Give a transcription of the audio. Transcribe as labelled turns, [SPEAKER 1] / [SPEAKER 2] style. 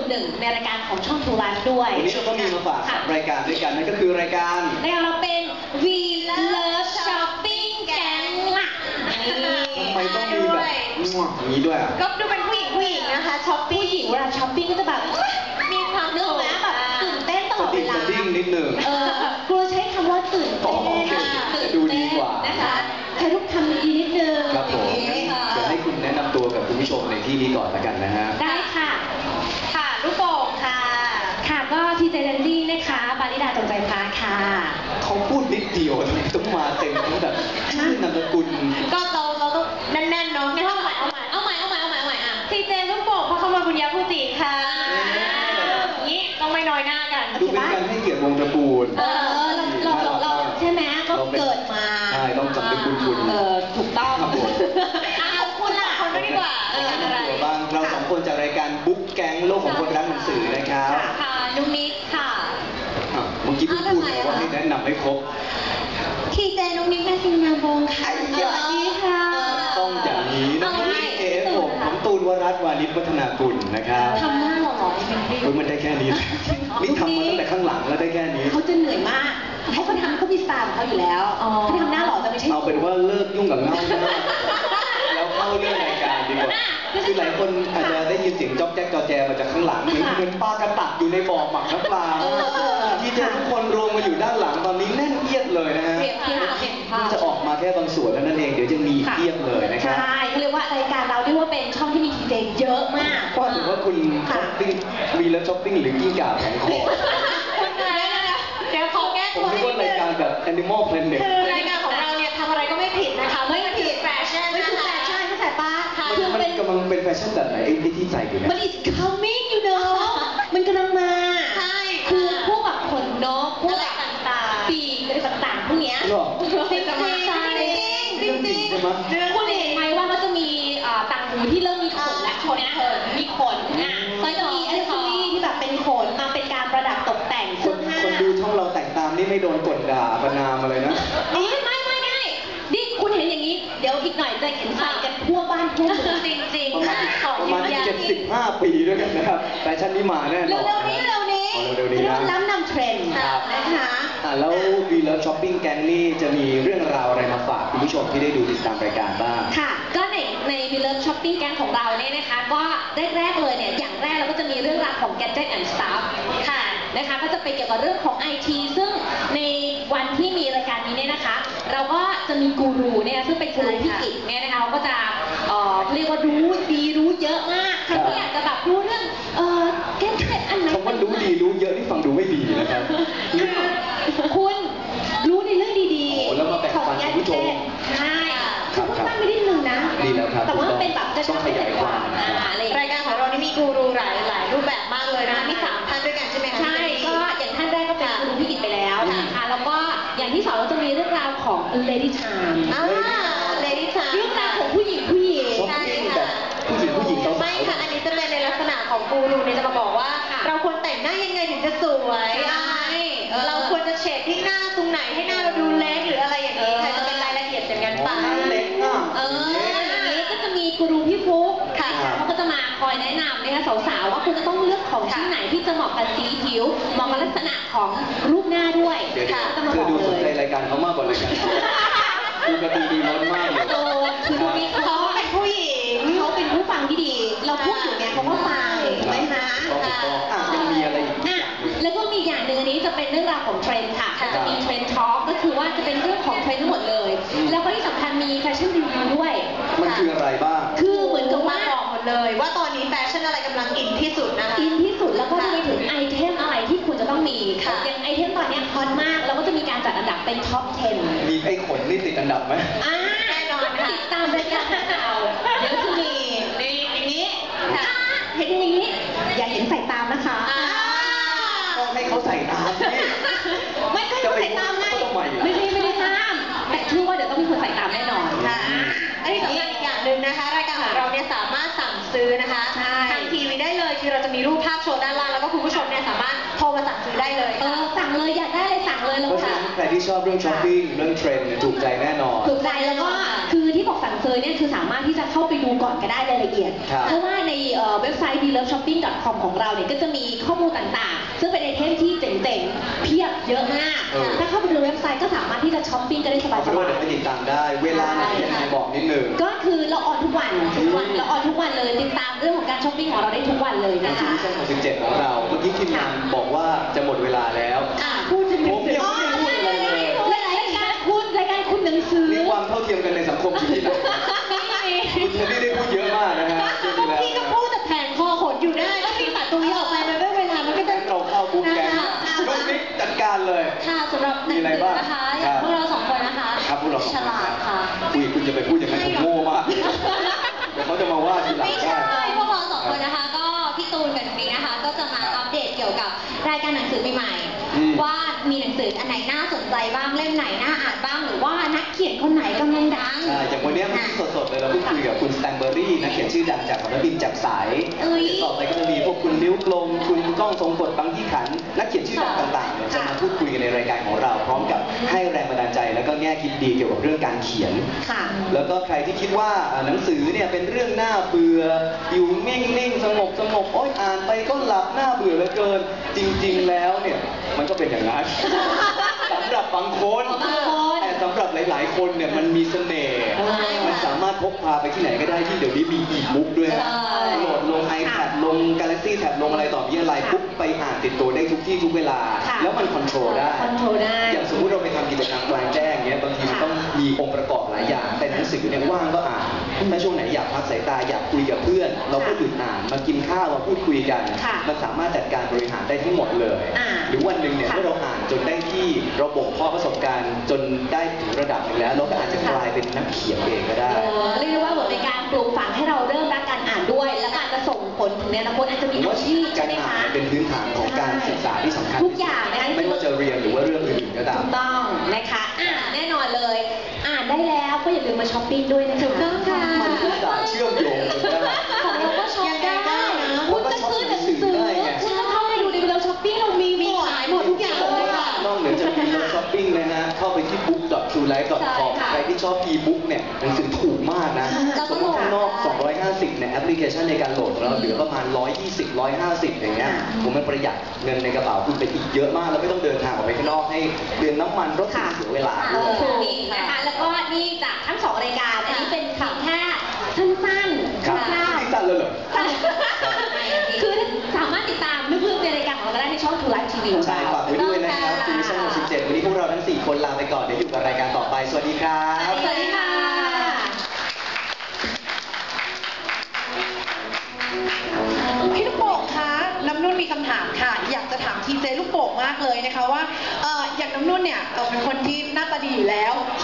[SPEAKER 1] วนหนึ่งในรายการของช่อง True Life ด้วย
[SPEAKER 2] วันนี้เราก็มีมาฝากรายการด้วยกันนั่นก็คือรายการ
[SPEAKER 1] เราเป็น We Love Shopping Gang ล่ะ
[SPEAKER 2] ทำไมต้องมีแบบอย่างนี้ด้วย
[SPEAKER 3] ก็ดูเป็นผู้หญิงนะคะช้อปปิ้ง
[SPEAKER 1] ผู้หญิงเวลาช้อปปิ้งก็จะแบบ
[SPEAKER 3] มีความ
[SPEAKER 1] เนื้อแม้แบบตื่นเต้นตลอดเวลา
[SPEAKER 2] ดิ้งนิดหนึ่ง
[SPEAKER 1] ครูใช้คำว่าตื่นเต้น
[SPEAKER 2] ดูดีกว่า
[SPEAKER 1] นะคะใช้ทุกคำดีนิดนึง
[SPEAKER 2] ครับผมเดี๋ยวให้คุณแนะนำตัวกับคุณผู้ชมในที่นี้ก่อนละกันนะฮะ
[SPEAKER 1] ได้ค่ะ
[SPEAKER 3] ค่ะลูกโป่งค่ะ
[SPEAKER 1] ค่ะก็ทีเจแดนดี้นะคะบาริดาจงใจพาค่ะ
[SPEAKER 2] เขาพูดนิดเดียวทำไมต้องมาเต็มทั้งแบบชื่อนามสกุล
[SPEAKER 3] ก็เราต้องแน่นๆเนาะงั้นเอาใหม่อ่ะทีเจลูกโป่งเพราะเขามาบุญญาภูติค่ะนี้ต้องไม่น้อยหน้ากัน
[SPEAKER 2] ดูเป็นการให้เกียรติวงตระกูล
[SPEAKER 1] เราใช่ไหมก็เกิดมา
[SPEAKER 2] ใช่ต้องสำนึกบุญคุณ
[SPEAKER 1] ถูกต้อง
[SPEAKER 2] ครับผม
[SPEAKER 3] คุณล่ะคนไม่ดีกว่า
[SPEAKER 2] ตัวบ้างเราสองคนจากรายการบุ๊กแก๊งโลกของคนรักหนังสือนะครับ
[SPEAKER 3] ค่ะนุ๊กนิดค่ะ
[SPEAKER 2] เมื่อกี้พูดว่าให้แนะนำให้ครบ
[SPEAKER 1] ทีเจนุ๊กนิดแม่ซิงนามวงค่ะสวัสดีค่ะ
[SPEAKER 2] ต้องอย่างนี้นะผมตูนวรัตน์วานิชวัฒนากุลนะครับ
[SPEAKER 1] ทำหน้าหล่อๆจริง
[SPEAKER 2] ๆมันได้แค่นี้นี่ทำมาตั้งแต่ข้างหลังแล้วได้แค่นี้
[SPEAKER 1] เขาจะเหนื่อยมากให้เขาทำเขามีสไตล์ของเขาอยู่แล้วเขาทำหน้าหล่อจะไม่ใช่
[SPEAKER 2] เอาเป็นว่าเลิกยุ่งกับเงาแล้วเข้าเรื่องรายการดีกว่าคือหลายคนอาจจะได้ยินเสียงจ๊อกแจ๊กจอแจมาจากข้างหลังเหมือนปลากระตักอยู่ในบ่อหมักน้ำปลาที่เจอทุกคนรวมมาอยู่ด้านหลังตอนนี้แน่นเอียดเลยนะฮะจะออกมาแค่บางส่วนแล้วนั่นเองเดี๋ยวจะมีเทียบเลยนะครับ
[SPEAKER 1] ใช่เขาเรียกว่ารายการเราเรียกว่าเป็นช่องที่มีทีเจเยอะมาก
[SPEAKER 2] ก็ถือว่าคุณช้อปปิ้งวีแล้วช้อปปิ้งหรือกิ้งก่าแผงคอ
[SPEAKER 3] เดี๋ยวขอแก้ตัว
[SPEAKER 2] ให้ผมคิดว่ารายการแบบ Animal Planet
[SPEAKER 3] คือรายการของเราเนี่ยทำอะไรก็ไม่ผิดนะคะไม่ผิดแฟชั่น
[SPEAKER 1] ไม่คือแฟชั่นเข้าใจปะ
[SPEAKER 2] มันกำลังเป็นแฟชั่นแบบไหนไอ้ที่ใส่อยู่เนี่ย
[SPEAKER 1] มัน is coming you know มันกำลังมา
[SPEAKER 3] ใช่
[SPEAKER 1] คือพวกแบบขนนกพวก
[SPEAKER 3] แบบต่าง
[SPEAKER 1] ๆปีกอะไรต่างๆพวกเนี้ย
[SPEAKER 3] จริง
[SPEAKER 1] คุณเห็นไหมว่าเขาจะมีต่างหูที่เริ่มมีขนและขนมีขนก็จะมีอัซเซอรี่ที่แบบเป็นขนมาเป็นการประดับตกแต่งเสื้อผ้า
[SPEAKER 2] คนดูช่องเราแต่งตามนี่ไม่โดนกดด่าประนามอะไรนะ
[SPEAKER 1] ไม่นี่คุณเห็นอย่างนี้เดี๋ยวอีกหน่อยจะเห็นใส่กันทั่วบ้านทั่วเมือง
[SPEAKER 3] จริง
[SPEAKER 2] ประมาณ75 ปีด้วยกันนะครับแฟชั่นนี้มาแน่นอน
[SPEAKER 1] เร็วนี้นะล้ำนำเทรนด์นะคะ
[SPEAKER 2] แล้ววีเลิฟช้อปปิ้งแก๊งนี่จะมีเรื่องราวอะไรมาฝากคุณผู้ชมที่ได้ดูติดตามรายการบ้าง
[SPEAKER 1] ค่ะก็ในวีเลิฟช้อปปิ้งแก๊งของเราเนี่ยนะคะก็แรกเลยเนี่ยอย่างแรกเราก็จะมีเรื่องราวของ Gadget and Stuff ค่ะนะคะก็จะไปเกี่ยวกับเรื่องของ IT ซึ่งในวันที่มีรายการนี้เนี่ยนะคะเราก็จะมีกูรูเนี่ยซึ่งเป็นกูรูพี่กิจเนี่ยนะคะเขาก็จะเรียกว่ารู้ดีรู้เยอะมากใครที่อยากจะแบบรู้เรื่องGadget อันไหน
[SPEAKER 2] คำว่ารู้ดีรู้เยอะที่ฟังดูไม่ดีนะครับ
[SPEAKER 1] คุณรู้ในเรื่องดี
[SPEAKER 2] ๆของ
[SPEAKER 1] Gadgetใช่คุณตั้งไปนิดนึงนะ
[SPEAKER 2] ดีแล้วครับ
[SPEAKER 1] แต่ว่าเป็นแบบจะ
[SPEAKER 2] ต้องขยายความ
[SPEAKER 3] รายการของเรานี่มีกูรูหลายรูปแบบมากเลยนะคะมี3ท่านด้วยกันใช่ไหมคะ
[SPEAKER 1] ใช่ก็อย่างท่านแรกก็เป็นกูรูพี่กิจไปแล้วนะคะแล้วก็อย่างที่2เราจะมีเรื่องราวของ Lady Time
[SPEAKER 3] Lady Time
[SPEAKER 1] เรื่องราวของผู้หญิง
[SPEAKER 2] ใช่ค่ะผู้หญิง
[SPEAKER 3] ไม่ค่ะอันนี้จะเป็นในลักษณะของกูรูเนี่ยจะมาบอกว่าเราควรแต่งหน้ายังไงถึงจะสวยเราควรจะเฉดที่หน้าตรงไหนให้หน้าเราดูเล็กหรืออะไรอย่างนี้ค่ะจะเป็นรายละเอียดอย่างนั้นไป
[SPEAKER 2] เล็กอ่ะ
[SPEAKER 1] อย่างนี้ก็จะมีกูรูพี่ฟุ๊กค่ะเขาก็จะมาคอยแนะนำนะคะสาวๆว่าคุณจะต้องเลือกของชิ้นไหนที่จะเหมาะกับสีผิวเหมาะกับลักษณะของรูปหน้าด้วย
[SPEAKER 2] ค่ะเธอดูสนใจรายการเขามากกว่ารายการดูกระตือรือร้นมากเลย
[SPEAKER 1] คือดูมีเขาเป็นผู้หญิงเขาเป็นผู้ฟังที่ดีเราพูดอยู่เนี่ยเขาก็ฟังถูกไหมคะ
[SPEAKER 2] ยังมีอะไรอีก
[SPEAKER 1] แล้วก็มีอย่างหนึ่งอันนี้จะเป็นเรื่องราวของเทรนด์ค่ะจะมีเทรนด์ทอล์กก็คือว่าจะเป็นเรื่องของเทรนด์ทั้งหมดเลยแล้วก็ที่สำคัญมีแฟชั่นรีวิวด้วย
[SPEAKER 2] มันคืออะไรบ้าง
[SPEAKER 1] คือเหมือนกับว่า
[SPEAKER 3] บอกหมดเลยว่าตอนนี้แฟชั่นอะไรกำลังอินที่สุดนะคะ
[SPEAKER 1] อินที่สุดแล้วก็จะมีถึงไอเทมอะไรที่คุณจะต้องมีอย่างไอเทมตอนนี้ฮอตมากแล้วก็จะมีการจัดอันดับเป็นท็อป 10
[SPEAKER 2] มีไอ้ขนนี่ติดอันดับไหม
[SPEAKER 1] แน่นอนค่ะติดตามรายการเราเดี๋ยวจะมีอย่างนี้เห็นอย่างนี้อย่าเห็นใส่ตามนะคะ
[SPEAKER 2] ต้องให้เขาใส่ตาม
[SPEAKER 1] ไม่ใช่ใส่ตามไงไม่ได้ห้ามแต่เชื่อว่าเดี๋ยวต้องมีคนใส่ตามแน่นอน
[SPEAKER 3] ค่ะอันนี้สำคัญอีกอย่างหนึ่งนะคะรายการของเราเนี่ยสามารถสั่งซื้อนะคะทางทีวีได้เลยคือเราจะมีรูปภาพโชว์ด้านล่างแล้วก็คุณผู้ชมเนี่ยสามารถโทรมาสั่งซื้อได้เลย
[SPEAKER 1] สั่งเลยอยากได้อะไรสั่งเลยเรา
[SPEAKER 2] สั่งใครที่ชอบเรื่องช้อปปิ้งเรื่องเทรนด์เนี่ยถูกใจแน่นอน
[SPEAKER 1] ถูกใจแล้วก็คือที่บอกสั่งซื้อเนี่ยคือสามารถที่จะเข้าไปดูก่อนก็ได้รายละเอียด
[SPEAKER 2] ครับ
[SPEAKER 1] เพราะว่าในเว็บไซต์ beloveshopping.com ของเราเนี่ยก็จะมีข้อมูลต่างๆ ซึ่งเป็นไอเทมที่เจ๋งๆ เพียบเยอะมาก ถ้าเข้าไปดูเว็บไซต์ก็สามารถที่จะช้อปปิ้งกันได้สบาย
[SPEAKER 2] เดี๋ยวไปติดตามได้ เวลาไหนยังไงบอกนิดนึง
[SPEAKER 1] ๆก็คือเราออนทุกวันเราออนทุกวันเลยติดตามเรื่องของการช้อปปิ้งของเราได้ทุกวันเลย
[SPEAKER 2] ใน
[SPEAKER 1] นะ
[SPEAKER 2] ชี
[SPEAKER 1] คะ
[SPEAKER 2] วิตช่อง17ของเราเมื่อกี้ทีมงานบอกว่าจะหมดเวลาแล้ว
[SPEAKER 1] พูดถึงหนั
[SPEAKER 2] ผ
[SPEAKER 1] ง
[SPEAKER 2] ม
[SPEAKER 1] สือ
[SPEAKER 2] ยังไม่ได้พูดอะไรเลย
[SPEAKER 1] รายการคุณหนังสือ
[SPEAKER 2] มีความเท่าเทียมกันในสังคมอยู่ที่ไหนคุณเทนนี่ได้พูดเยอะมากนะฮะเรื่องนี้แล้ว
[SPEAKER 3] พี่ก็พูดแต่แผงคอขนอยู่ได้ก็พี่ตัดตรงนี้ออกไปมันก็เวลามันก็จะ
[SPEAKER 2] เราเข้าบุ๊กแกงลูกนิกจัดการเลย
[SPEAKER 3] ค่ะสำหรับหนังสือนะคะ
[SPEAKER 2] ครับ
[SPEAKER 3] พวกเราสองคนนะคะ
[SPEAKER 2] ครับพวกเราสองคน
[SPEAKER 3] ฉลาดค่ะ
[SPEAKER 2] คุณจะไปพูดอย่างนั้นผมโง่มาก เดี๋ยวเขาจะมาว่าทีหลัง
[SPEAKER 3] ไม่
[SPEAKER 2] ได้
[SPEAKER 3] ใช่พวกเราสองคนนะคะ ก็พี่ตูนกับน้องมิ้งนะคะ ก็จะมาอัปเดตเกี่ยวกับรายการหนังสือใหม่
[SPEAKER 2] อืม
[SPEAKER 3] ๆว่ามีหนังสืออันไหนน่าสนใจบ้างเล่มไหนน่าอ่านบ้างหรือว่านักเขียนคนไหนกำลังดัง
[SPEAKER 2] ใช่อย่างวันนี้มันสดๆเลยเราเพิ่งคุยกับคุณสแตมเบอรี่นักเขียนชื่อดังจากสำนักพิมพ์แจ่มใส
[SPEAKER 3] เอ้ย
[SPEAKER 2] ต่อไปก็จะมีพวกคุณนิ้วกลมคุณก้องทรงกฎบางยี่ขัน นักเขียนชื่อดังต่างๆเนี่ยจะมาพูดคุยกันในรายการของเรา พร้อมกับให้แรงบันดาลใจ แล้วก็แง่คิดดีเกี่ยวกับเรื่องการเขียน
[SPEAKER 1] ค่ะ
[SPEAKER 2] แล้วก็ใครที่คิดว่าหนังสือเนี่ยเป็นเรื่องน่าเบื่ออยู่นิ่งๆสงบโอ๊ยอ่านไปก็หลับน่าเบื่อเหลือเกิน จริงๆแล้วเนี่ยมันก็เป็นอย่างนั้น สำหรับบางคน
[SPEAKER 1] บางคน
[SPEAKER 2] แต่สำหรับหลายๆคนเนี่ยมันมีเสน่ห์ มันสามารถพกพาไปที่ไหนก็ได้ที่เดี๋ยวนี้มีอีบุ๊กด้วยนะ
[SPEAKER 1] ใช่
[SPEAKER 2] โหลดลง iPad ลง Galaxy Tab ลงอะไรต่อมีอะไรปุ๊บไปอ่านติดตัวได้ทุกที่ทุกเวลา
[SPEAKER 1] ค่ะ
[SPEAKER 2] แล้วมันคอนโทรลได้
[SPEAKER 1] คอนโทรลได้
[SPEAKER 2] อย่างสมมุติเราไปทำกิจกรรมกลางแจ้งเงี้ยบางทีมันต้องมีองค์ประกอบหลายอย่าง แต่หนังสือเนี่ยว่างก็อ่านถ้าช่วงไหนอยากพักสายตาอยากคุยกับเพื่อน เราก็หยุดอ่านมากินข้าวมาพูดคุยกัน
[SPEAKER 1] ค่ะ
[SPEAKER 2] มันสามารถจัดการบริหารได้ทั้งหมดเลย หรือวันหนึ่งเนี่ย
[SPEAKER 1] ค่ะ
[SPEAKER 2] เมื่อเราอ่านจนได้ที่เราบ่มเพาะประสบการณ์ จนได้ถึงระดับหนึ่งแล้ว เราก็อาจจะกลายเป็นนักเขียนเองก็ได้
[SPEAKER 1] เรียกได้ว่าเหมือนเป็นการปลูกฝังให้เราเริ่มรักการอ่านด้วย แล้วก็อาจจะส่งผลถึงในอนาคตอาจจะ
[SPEAKER 2] ผ
[SPEAKER 1] มี
[SPEAKER 2] มว่า
[SPEAKER 1] อาชีพ
[SPEAKER 2] กา
[SPEAKER 1] ใช่
[SPEAKER 2] ร
[SPEAKER 1] ไหม
[SPEAKER 2] อ่าน
[SPEAKER 1] คะ
[SPEAKER 2] เป็นพื้นฐานของการศึกษาที่สำคัญ
[SPEAKER 1] ทุกอย่างนะคะ
[SPEAKER 2] ไม่ว่าจะเรียนหรือว่าเรื่องอื่นๆก็ตาม
[SPEAKER 1] ถูกต้องนะคะแน่นอนเลย อ่านได้แล้วก็อย่าลืมมาช้อปปิ้งด้วยนะคะ
[SPEAKER 3] ถูกต้องค่ะ
[SPEAKER 2] มันอุตส่าห์เชื่อมโยงกันได้
[SPEAKER 1] ของเราก็ช็อปได้
[SPEAKER 3] ยังไงได้นะ
[SPEAKER 1] คุณจะซื้อหนังสือคุณจะเข้าไปดูในเราช้อปปิ้งเรามี
[SPEAKER 3] มีขายหมดทุกอย่างเลยค่ะ
[SPEAKER 2] นอกเหนือจากมีเราช้อปปิ้งนะฮะ เข้าไปที่ book.truelife.com
[SPEAKER 1] ใช่ค่ะ
[SPEAKER 2] ใครที่ชอบ e-book เนี่ยหนังสือถูกมากนะ
[SPEAKER 3] เรา
[SPEAKER 2] ส
[SPEAKER 3] ต้
[SPEAKER 2] ม
[SPEAKER 3] อง
[SPEAKER 2] ม
[SPEAKER 3] โหลด
[SPEAKER 2] ติข้างนอก 250เนี่ยแอปพลิเคชันในการโหลดของเราเหลือประมาณ 120 150 อย่างเงี้ยผมมันประหยัดเงินในกระเป๋าคุณไปอีกเยอะมาก แล้วไม่ต้องเดินทางออกไปข้างนอกให้เดือนน้ำมันรถติดเสียเวลาด้วย
[SPEAKER 1] ถูกนะคะ แล้วก็นี่จากทั้งสองรายการ อันนี้เป็นเพียงแค่สั้นๆ
[SPEAKER 2] ครับ
[SPEAKER 1] คร่าว
[SPEAKER 2] ที่สั้นแล้วเหรอ
[SPEAKER 1] ๆคือสามารถติดตามลึกๆในรายการของเราก็ได้ในช่อง True Life TV ของ
[SPEAKER 2] ใช่
[SPEAKER 1] เรา
[SPEAKER 2] ฝากไว้ด้วยนะครับทีวีช่อง17วันนี้พวกเราทั้ง 4 คนลาไปก่อน เดี๋ยวอยู่กับรายการต่อไป สวัสดีครับ
[SPEAKER 1] สวัสดีค่ะ
[SPEAKER 4] พี่ลูกโป่งคะน้ำนุ่นมีคำถามค่ะ อยากจะถามทีเจลูกโป่งมากเลยนะคะว่าอย่างน้ำนุ่นเนี่ยเป็นคนที่หน้าตาดีอยู่แล้ว